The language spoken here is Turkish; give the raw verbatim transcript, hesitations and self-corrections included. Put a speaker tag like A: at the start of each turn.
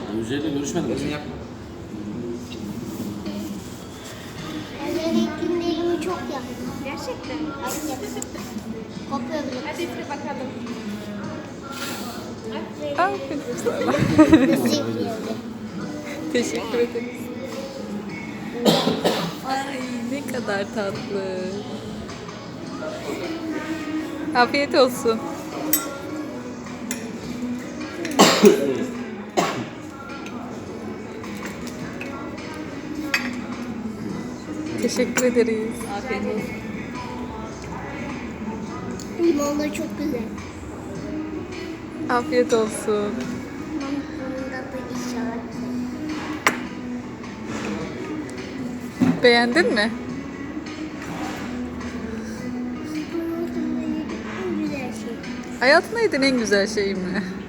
A: Yüzey'le görüşmedim.
B: Gözünü yapma.
C: Ben ilk günde elimi çok yaktım.
D: Gerçekten.
C: Hayır. Kopuyor bile.
D: Hadi üfle bakalım. Aferin.
E: Aferin sana.
C: Nasıl yapıyordu?
E: Teşekkür ederiz. Ay ne kadar tatlı. Afiyet olsun. Teşekkür ederiz. Afiyet olsun.
C: Limon da çok güzel.
E: Afiyet olsun.
C: Bunda da inşallah.
E: Beğendin mi?
C: Hayatımda yediğim en güzel şey.
E: Hayatında yediğin en güzel şey mi?